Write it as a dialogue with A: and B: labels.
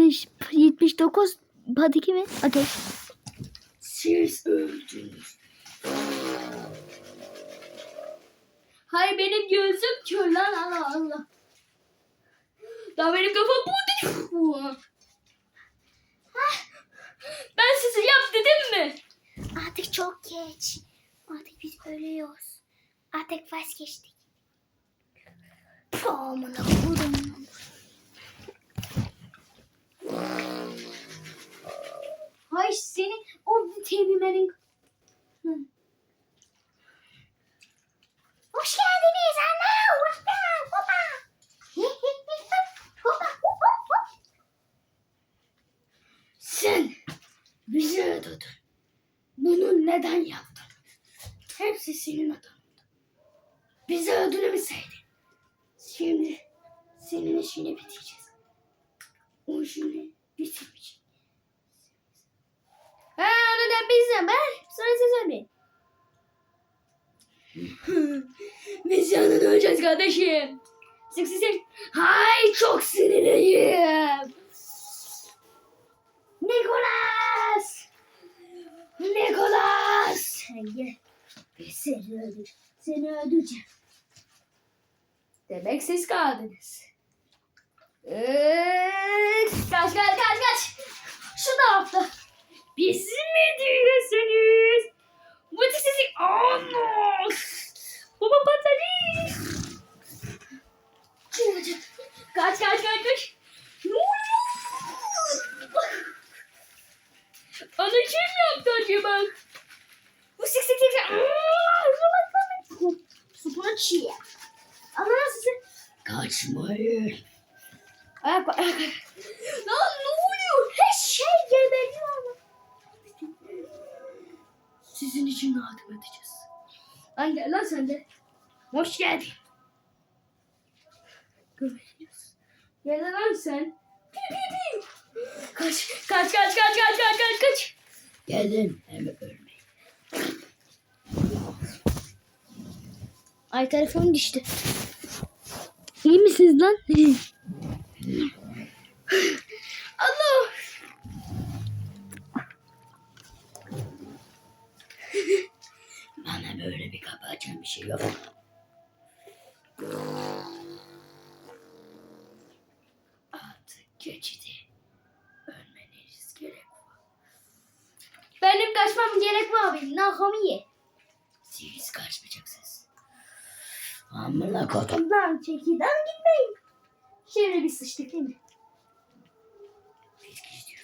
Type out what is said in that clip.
A: 79 patiki mi? Ateş.
B: Siz öldünüz. Hayır benim gözüm kör lan Allah Allah. Daha benim kafam bu. Ben sizi yap dedim mi?
A: Artık çok geç. Artık biz ölüyoruz. Artık vazgeçtik. Amına koydum.
B: Hayır senin o tebimenin.
A: Hoş geldiniz ana. Hoş geldin baba.
B: Sen bizi öldürdün. Bunu neden yaptın? Hepsi senin hatandı. Bizi öldürmeseydin. Şimdi senin işini bitireceğiz. O işini bitirmeyeceğiz. Onu da bize ver. Sonra siz ölmeyin. Biz yanına öleceğiz kardeşim. Sık. Hay çok sinirliyim. Nikolas! Sen gel. Biz seni öldüreceğim. Demek siz kaldınız. Kaç. Şu tarafta. Biz mi diyorsunuz? Bu da sizi... Anam! Baba patladı. Kaç. Ne oluyor? Ana kim yaptı acaba? Bu sık. Süper çiğ. Ama size... Kaçmayın. Ayak. Lan ne oluyor? Her şey geberiyor ama. Sizin için yardım edeceğiz. Lan gel lan sen de. Hoş geldin. Görüşürüz. Gel lan sen. Kaç. Geldim. Hem ölmeyin.
A: Ay telefon düştü. İyi misiniz lan?
B: Allah. Bana böyle bir kapı açan bir şey yok. Artık geçti. Ölmeniz gerek var.
A: Benim kaçmam gerek mi abi? Nakamiye.
B: Siz kaçmayacaksınız. Amına kodum.
A: Lan çekiden gitmeyin. Şimdi bir sıçtık değil mi?
B: Biz gidiyoruz.